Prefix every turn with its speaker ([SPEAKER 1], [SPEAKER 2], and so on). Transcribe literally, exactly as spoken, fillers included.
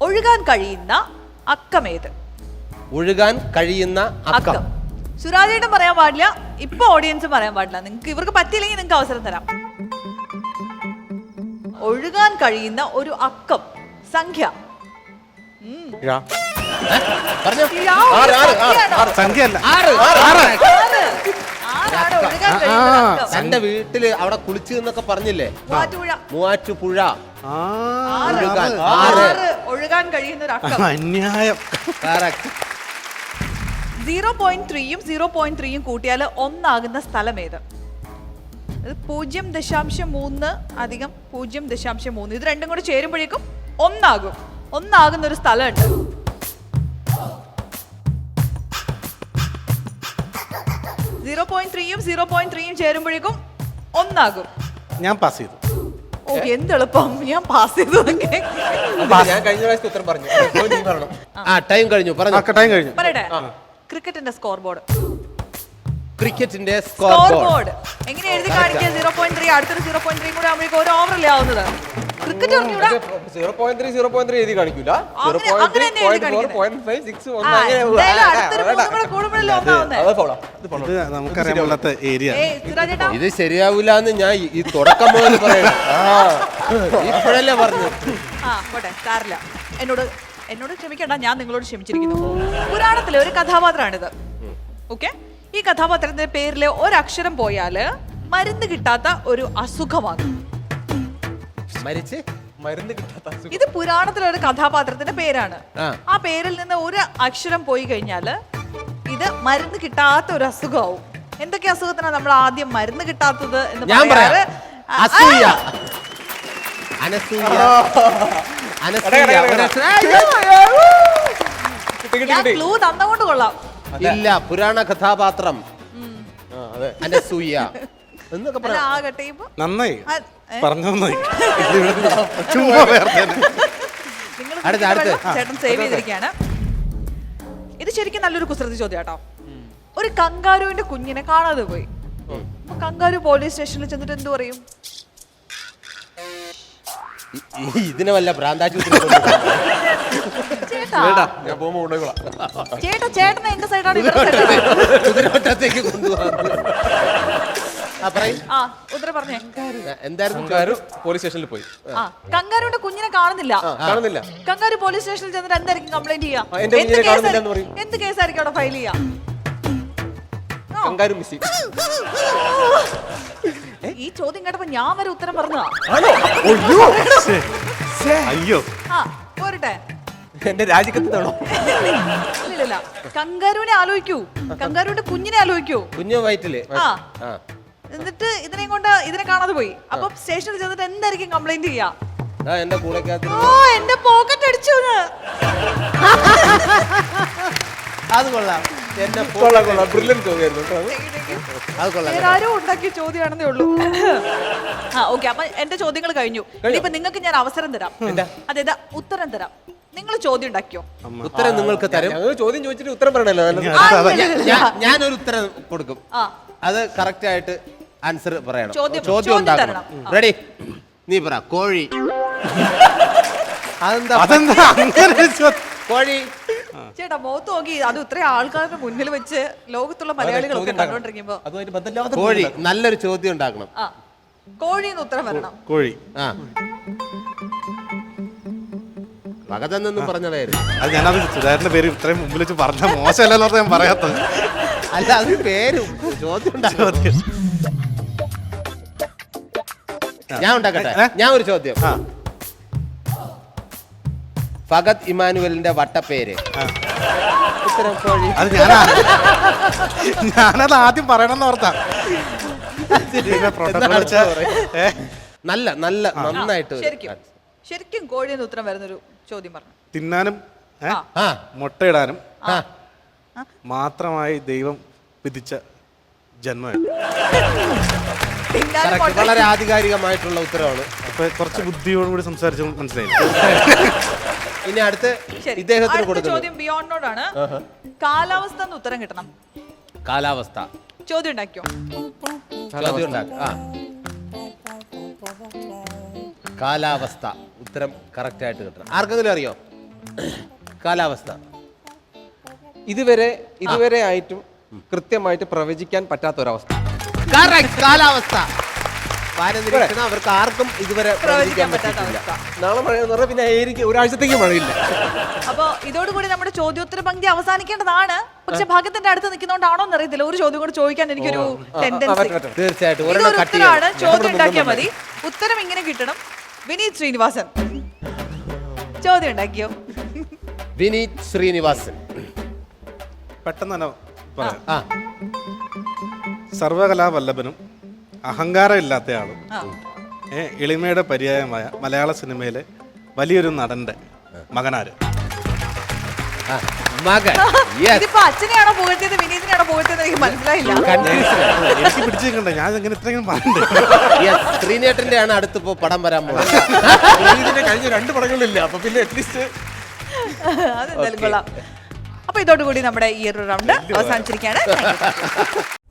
[SPEAKER 1] ഒഴുകാൻ കഴിയുന്ന അക്കമേത്?
[SPEAKER 2] ഒഴുകാൻ കഴിയുന്ന അക്കം.
[SPEAKER 1] സുരാജേട്ടൻ പറയാൻ പാടില്ല, ഇപ്പൊ ഓഡിയൻസ് പറയാൻ പാടില്ല. നിങ്ങൾക്ക് ഇവർക്ക് പറ്റിയില്ലെങ്കിൽ നിങ്ങൾക്ക് അവസരം തരാം. ഒഴുകാൻ കഴിയുന്ന ഒരു അക്കം സംഖ്യ.
[SPEAKER 2] എന്റെ വീട്ടില് അവിടെ കുളിച്ചു എന്നൊക്കെ പറഞ്ഞില്ലേ, മൂവാറ്റുപുഴ.
[SPEAKER 1] ഒഴുകാൻ കഴിയുന്ന ഒരു അക്കം.
[SPEAKER 3] അന്യായം.
[SPEAKER 1] സീറോ പോയിന്റ് ത്രീയും സീറോ പോയിന്റ് ത്രീയും കൂട്ടിയാൽ ഒന്നാകുന്ന സ്ഥലം ഏത്? പൂജ്യം ദശാംശം മൂന്ന് അധികം പൂജ്യം ദശാംശം മൂന്ന് ഇത് രണ്ടും കൂടെ ചേരുമ്പോഴേക്കും ഒന്നാകും. ഒന്നാകുന്ന ഒരു സ്ഥലമുണ്ട്. സീറോ പോയിന്റ് ത്രീയും സീറോ പോയിന്റ് ത്രീയും ചേരുമ്പോഴേക്കും ഒന്നാകും.
[SPEAKER 3] ഞാൻ പാസ് ചെയ്തു.
[SPEAKER 1] ഓ എന്ത് എളുപ്പം, ഞാൻ പാസ് ചെയ്തു.
[SPEAKER 2] ഞാൻ കഴിഞ്ഞ പ്രാവശ്യത്തെ ഉത്തരം പറഞ്ഞു. ആ ടൈം കഴിഞ്ഞു,
[SPEAKER 3] ടൈം കഴിഞ്ഞു.
[SPEAKER 1] പറയട്ടെ, ക്രിക്കറ്റിന്റെ സ്കോർ ബോർഡ്.
[SPEAKER 2] ക്രിക്കറ്റിന്റെ സ്കോർ ബോർഡ്
[SPEAKER 1] എങ്ങനെ എഴുതി കാണിക്കുക? സീറോ പോയിന്റ് ത്രീ അടുത്തൊരു സീറോ പോയിന്റ് ത്രീ കൂടെ ആകുമ്പോഴേക്കും ഒരു ഓവറല്ലേ ആവുന്നത്? Cricket
[SPEAKER 2] zero point three zero point three എഴുതി കാണിക്കൂല. ഇത് ശരിയാവില്ല എന്ന് ഞാൻ ഈ തുടക്കം മുതൽ പറയണം. ഇപ്പോഴല്ലേ പറഞ്ഞു.
[SPEAKER 1] ആ പോട്ടെ, സാരില്ല. എന്നോട് എന്നോട് ക്ഷമിക്കണ്ട, ഞാൻ നിങ്ങളോട് ക്ഷമിച്ചിരിക്കുന്നു. പുരാണത്തിലെ ഒരു കഥാപാത്രമാണിത്. ഓക്കെ, ഈ കഥാപാത്രത്തിന്റെ പേരിലെ ഒരക്ഷരം പോയാല് മരുന്ന് കിട്ടാത്ത ഒരു അസുഖമാണ്.
[SPEAKER 2] മരിച്ച് മരുന്ന് കിട്ടാത്ത
[SPEAKER 1] ഇത് പുരാണത്തിലെ ഒരു കഥാപാത്രത്തിന്റെ പേരാണ്. ആ പേരിൽ നിന്ന് ഒരു അക്ഷരം പോയി കഴിഞ്ഞാല് ഇത് മരുന്ന് കിട്ടാത്ത ഒരു അസുഖമാവും. എന്തൊക്കെ അസുഖത്തിനാണ് നമ്മൾ ആദ്യം മരുന്ന് കിട്ടാത്തത് എന്ന് പറയാറ്? ക്ലൂ തന്നുകൊണ്ട് കൊള്ളാം.
[SPEAKER 2] ഇല്ല, പുരാണ കഥാപാത്രം അനസൂയ എന്നൊക്കെ
[SPEAKER 1] ആകട്ടെ.
[SPEAKER 3] നന്നായി പറഞ്ഞു.
[SPEAKER 1] ചേട്ടൻ സേവ് ചെയ്തിരിക്കുകയാണ്. ഇത് ശരിക്കും നല്ലൊരു കുസൃതി ചോദ്യം കേട്ടോ. ഒരു കങ്കാരുവിന്റെ കുഞ്ഞിനെ കാണാതെ പോയി. കങ്കാരു പോലീസ് സ്റ്റേഷനിൽ ചെന്നിട്ട് എന്ത് പറയും?
[SPEAKER 2] ഇതിനെ വല്ല ഭ്രാന്താശുപത്രി
[SPEAKER 1] ചേട്ടാ, ചേട്ടൻ എന്റെ സൈഡാണ്.
[SPEAKER 2] കുതിരവട്ടത്തേക്ക് കൊണ്ടുപോകാൻ
[SPEAKER 4] എന്തായിരുന്നു? പോലീസ് സ്റ്റേഷനിൽ പോയി.
[SPEAKER 1] കങ്കാരുവിന്റെ കുഞ്ഞിനെ കാണുന്നില്ല.
[SPEAKER 4] കാണുന്നില്ല.
[SPEAKER 1] കങ്കാരു പോലീസ് സ്റ്റേഷനിൽ ചെന്നിട്ട് എന്തായിരിക്കും കംപ്ലൈന്റ് ചെയ്യാ? എന്ത് കേസായിരിക്കും അവിടെ ഫയൽ ചെയ്യാ?
[SPEAKER 4] Kangaroo missing.
[SPEAKER 1] ഈ ചോദ്യം കേട്ടപ്പോ ഞാൻ വരെ ഉത്തരം പറഞ്ഞതാ.
[SPEAKER 3] അയ്യോ,
[SPEAKER 1] ആ പോരട്ടെ.
[SPEAKER 4] എന്റെ രാജിക്കത്താണോ?
[SPEAKER 1] ഇല്ല, കങ്കാരുവിനെ ആലോചിക്കൂ. കങ്കാരുവിന്റെ കുഞ്ഞിനെ ആലോചിക്കൂ.
[SPEAKER 2] കുഞ്ഞു വയറ്റില്.
[SPEAKER 1] ആ എന്നിട്ട് ഇതിനെ കൊണ്ട് ഇതിനെ കാണാതെ പോയി. അപ്പൊ സ്റ്റേഷനിൽ ചെന്നിട്ട് എന്തായിരിക്കും കംപ്ലൈന്റ് ചെയ്യാ?
[SPEAKER 2] എന്റെ കൂടെ
[SPEAKER 1] ഓ എന്റെ പോക്കറ്റ് അടിച്ചു.
[SPEAKER 2] അത് കൊള്ളാം.
[SPEAKER 1] ആരും ഉണ്ടാക്കിയ ചോദ്യമാണെന്നേ ഉള്ളൂ. ആ ഓക്കെ, അപ്പൊ എന്റെ ചോദ്യങ്ങൾ കഴിഞ്ഞു. ഇനിയിപ്പൊ നിങ്ങൾക്ക് ഞാൻ അവസരം തരാം. അതായത് ഉത്തരം തരാം. നിങ്ങൾ ചോദ്യം ഉണ്ടാക്കിയോ?
[SPEAKER 2] ഉത്തരം നിങ്ങൾക്ക് തരും.
[SPEAKER 4] ചോദ്യം ചോദിച്ചിട്ട് ഉത്തരം പറയണല്ലോ.
[SPEAKER 2] ഞാനൊരു ഉത്തരം കൊടുക്കും. അത് കറക്റ്റ് ആയിട്ട് ആൻസർ പറയണം. ചോദ്യം ഉണ്ടാക്കണം. റെഡി? നീ പറ. കോഴി.
[SPEAKER 3] അതെന്താ
[SPEAKER 2] കോഴി?
[SPEAKER 1] ചേട്ടാ മുഖത്ത് നോക്കി. അത് ഇത്രയും ആൾക്കാരുടെ മുന്നിൽ വെച്ച് ലോകത്തുള്ള മലയാളികളൊക്കെ കണ്ടോണ്ടിരിക്കുമ്പോ
[SPEAKER 2] കോഴി. നല്ലൊരു ചോദ്യം ഉണ്ടാക്കണം.
[SPEAKER 1] കോഴിന്ന് ഉത്തരം വരണം.
[SPEAKER 3] കോഴി.
[SPEAKER 2] ആ ഭഗതെന്നൊന്നും പറഞ്ഞതായിരുന്നു.
[SPEAKER 3] അത് ഞാനത് സുധാകരന്റെ പേര് ഇത്രയും മുമ്പിൽ വെച്ച് പറഞ്ഞ മോശമല്ലോ ഞാൻ പറയാത്തത്.
[SPEAKER 2] അല്ല, അത് പേരും ചോദ്യം ഉണ്ടാക്കണം. ഞാൻ ഉണ്ടാക്കട്ടെ. ഞാൻ ഒരു ചോദ്യം. ഫഗത് ഇമാനുവലിന്റെ വട്ടപ്പേര്. ഉത്തരം കോഴി.
[SPEAKER 3] അത് ഞാനാ ഞാനത് ആദ്യം പറയണമെന്ന് ഓർത്താ.
[SPEAKER 2] നല്ല നല്ല നന്നായിട്ട്
[SPEAKER 1] ശരിക്കും കോഴിന്ന് ഉത്തരം വരുന്നൊരു ചോദ്യം പറഞ്ഞു.
[SPEAKER 3] തിന്നാനും മുട്ടയിടാനും മാത്രമായി ദൈവം വിധിച്ച ജന്മം.
[SPEAKER 2] വളരെ ആധികാരികമായിട്ടുള്ള ഉത്തരവാണ്.
[SPEAKER 3] അപ്പൊ കുറച്ച് ബുദ്ധിയോടുകൂടി സംസാരിച്ചു മനസ്സിലായി.
[SPEAKER 2] ഇനി അടുത്ത് ഇദ്ദേഹത്തിന് കൊടുക്കുന്ന
[SPEAKER 1] ചോദ്യം ബിയോണ്ടോടാണ്. കാലാവസ്ഥ എന്ന് ഉത്തരം കിട്ടണം.
[SPEAKER 2] കാലാവസ്ഥ
[SPEAKER 1] ചോദ്യം ഉണ്ടാക്കിയോ?
[SPEAKER 2] ചോദ്യം ഉണ്ടാക്കി. ആ കാലാവസ്ഥ ഉത്തരം കറക്റ്റ് ആയിട്ട് കിട്ടണം. ആർക്കെങ്കിലും അറിയോ? കാലാവസ്ഥ.
[SPEAKER 4] ഇതുവരെ ഇതുവരെ ആയിട്ടും കൃത്യമായിട്ട് പ്രവചിക്കാൻ പറ്റാത്ത ഒരവസ്ഥ.
[SPEAKER 2] Correct, കാലാവസ്ഥ. വാനനിരീക്ഷണം അവർക്ക് ആർക്കും ഇതുവരെ
[SPEAKER 1] പ്രവചിക്കാൻ
[SPEAKER 2] പ്രവചിക്കാൻ
[SPEAKER 1] പറ്റാത്ത
[SPEAKER 2] പറ്റിയിട്ടില്ല.
[SPEAKER 1] അവസ്ഥ.
[SPEAKER 4] നാളെ മഴ എന്ന് പറഞ്ഞാൽ പിന്നെ ആയിരിക്കും ഒരാഴ്ചത്തേക്ക് മഴയില്ല.
[SPEAKER 1] അപ്പൊ ഇതോടുകൂടി നമ്മുടെ ചോദ്യോത്തര പങ്ക്തി അവസാനിക്കേണ്ടതാണ്. പക്ഷെ ഭാഗ്യത്തിന്റെ അടുത്ത് നിൽക്കുന്നോണ്ടാണോ എന്നറിയത്തില്ല, ഒരു ചോദ്യം കൂടെ ചോദിക്കാൻ എനിക്കൊരു ടെൻഡൻസി.
[SPEAKER 2] തീർച്ചയായിട്ടും
[SPEAKER 1] ഇതൊരു
[SPEAKER 2] ഒരെണ്ണം കട്ട്
[SPEAKER 1] ഉത്തരമാണ്,
[SPEAKER 2] ചെയ്യണം.
[SPEAKER 1] ചോദ്യം ഉണ്ടാക്കിയാൽ മതി. ഉത്തരം ഇങ്ങനെ കിട്ടണം. വിനീത് ശ്രീനിവാസൻ ചോദ്യം ഉണ്ടാക്കിയോ?
[SPEAKER 2] വിനീത് ശ്രീനിവാസൻ.
[SPEAKER 3] പെട്ടെന്ന് തന്നെ പറയാം.
[SPEAKER 2] ആ
[SPEAKER 3] സർവകലാവല്ലഭനും അഹങ്കാരം ഇല്ലാത്തയാളും
[SPEAKER 1] ആ.
[SPEAKER 3] ഏ, എളിമയുടെ പര്യായമായ മലയാള സിനിമയിലെ വലിയൊരു നടന്റെ മകനാര്?
[SPEAKER 2] ആ, മകൻ. Yes.
[SPEAKER 1] ഇതിപ്പോ അച്ഛനെയാണോ പുകഴ്ത്തിയത് വിനീതിനെയാണോ പുകഴ്ത്തിയത് എനിക്ക് മനസ്സിലായില്ല.
[SPEAKER 3] എനിക്ക് പിടിച്ചിരിക്കണ്ടേ, ഞാൻ ഇങ്ങനെ ഇത്രയും പറയണ്ടേ?
[SPEAKER 2] Yes, ശ്രീനേട്ടന്റെ ആണ് അടുത്തിപ്പോ പടം വരാൻ പോകുന്നത്.
[SPEAKER 4] ഇതിന്റെ കഴിഞ്ഞ രണ്ട് പടങ്ങളിലില്ല. അപ്പൊ പിന്നെ അറ്റ്ലീസ്റ്റ്
[SPEAKER 1] അതെന്തായാലും കൊള്ളാം. അപ്പൊ ഇതോടുകൂടി നമ്മുടെ ഈ ഒരു റൗണ്ട് അവസാനിച്ചിരിക്കുകയാണ്.